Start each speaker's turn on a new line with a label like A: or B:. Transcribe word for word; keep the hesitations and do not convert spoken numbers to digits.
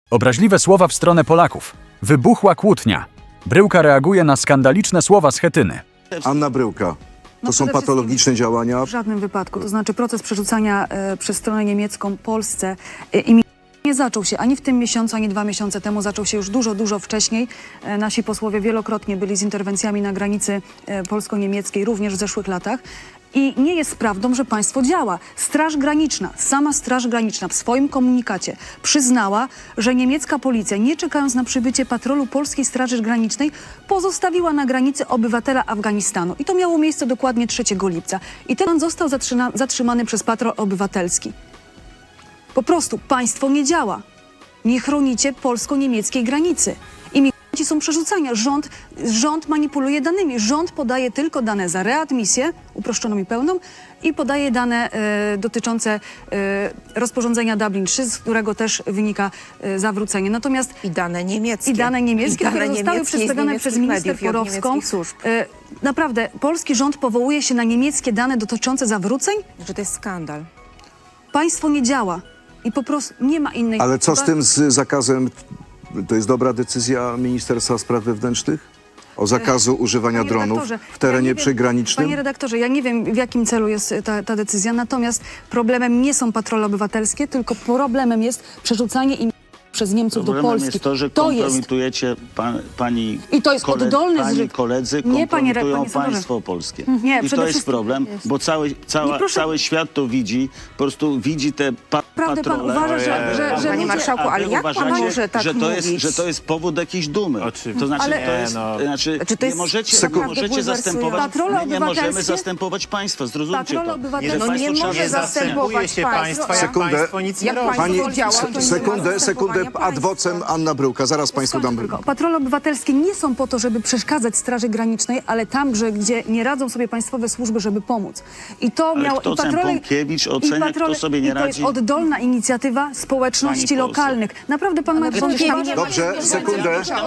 A: Obraźliwe słowa w stronę Polaków. Wybuchła kłótnia. Bryłka reaguje na skandaliczne słowa Schetyny.
B: Anna Bryłka. To
C: No
B: są
C: przede
B: patologiczne działania.
C: W żadnym wypadku. To znaczy proces przerzucania e, przez stronę niemiecką Polsce e, i nie zaczął się ani w tym miesiącu, ani dwa miesiące temu. Zaczął się już dużo, dużo wcześniej. E, nasi posłowie wielokrotnie byli z interwencjami na granicy e, polsko-niemieckiej, również w zeszłych latach. I nie jest prawdą, że państwo działa. Straż Graniczna, sama Straż Graniczna w swoim komunikacie przyznała, że niemiecka policja, nie czekając na przybycie patrolu Polskiej Straży Granicznej, pozostawiła na granicy obywatela Afganistanu. I to miało miejsce dokładnie trzeciego lipca. I ten został zatrzyma zatrzymany przez patrol obywatelski. Po prostu państwo nie działa. Nie chronicie polsko-niemieckiej granicy. Imigranci są przerzucani. Rząd, rząd manipuluje danymi. Rząd podaje tylko dane za readmisję, uproszczoną i pełną, i podaje dane e, dotyczące e, rozporządzenia Dublin trzy, z którego też wynika e, zawrócenie. Natomiast
D: I dane niemieckie.
C: i dane niemieckie,
D: I dane
C: które zostały
D: niemieckie
C: przedstawione
D: z
C: przez
D: niemieckich
C: minister
D: mediów i od
C: Porowską.
D: niemieckich służb.
C: E, naprawdę, polski rząd powołuje się na niemieckie dane dotyczące zawróceń?
D: Że to jest skandal.
C: Państwo nie działa i po prostu nie ma innej...
B: Ale co z tym z zakazem? To jest dobra decyzja Ministerstwa Spraw Wewnętrznych? O zakazu używania
C: Panie
B: dronów
C: redaktorze,
B: w terenie
C: ja nie wiem-
B: przygranicznym?
C: Panie redaktorze, ja nie wiem, w jakim celu jest ta, ta decyzja, natomiast problemem nie są patrole obywatelskie, tylko problemem jest przerzucanie im przez Niemców do
E: Problemem
C: Polski.
E: jest to, że
C: to jest.
E: kompromitujecie pan, pani,
C: I to jest
E: kole,
C: oddolny
E: pani
C: zryw.
E: koledzy,
C: Nie, panie re-
E: kompromitują
C: panie senatorze.
E: państwo polskie.
C: Nie,
E: I
C: przede
E: to jest
C: wszystkim-
E: problem, bo cały, cała,
C: Nie, proszę-
E: cały świat to widzi, po prostu widzi te pa
C: Prawdę pan
E: patrole.
C: uważa, że- że- że
D: Panie
C: ludzie-
D: marszałku,
E: A wy
D: ale jak pan
E: uważacie,
D: może tak
E: że to jest,
D: mówić?
E: że to jest powód jakiejś dumy.
F: Oczywiście.
E: To znaczy,
C: Ale-
E: to jest,
F: no.
E: znaczy
D: Czy to
E: nie
D: jest
E: możecie,
B: Sekund-
E: nie
D: naprawdę
E: możecie
D: bulwersujące?
E: zastępować,
C: Patrole
E: my nie możemy
C: obywatelskie?
E: zastępować państwa, zrozumcie
C: Patrole
E: to.
C: obywatelskie-
E: Jeżeli
D: No nie
E: państwo
D: może
E: trzeba-
D: zastępować
F: się
D: państwa.
F: państwa, jak
B: Sekundę.
F: państwo nic nie
D: Jak
F: robi.
D: państwo
B: Pani,
D: działa, to
B: se-
D: nie ma
B: sekundę, sekundę,
D: zastępowania
B: ad vocem
D: państwa.
B: Anna Bryłka. Zaraz Państwu dam...
C: Tylko patrole obywatelskie nie są po to, żeby przeszkadzać Straży Granicznej, ale tam, że, gdzie nie radzą sobie państwowe służby, żeby pomóc. I to
E: Ale
C: miało...
E: kto
C: i
E: ten
C: patrole,
E: Pąkiewicz
C: i
E: ocenia,
C: patrole,
E: kto sobie nie
C: i to jest
E: radzi?
C: oddolna inicjatywa społeczności
E: Pani poseł.
C: lokalnych. Naprawdę pan ma
D: przecież tam nie ma
C: wątpliwości?
B: Dobrze, sekundę.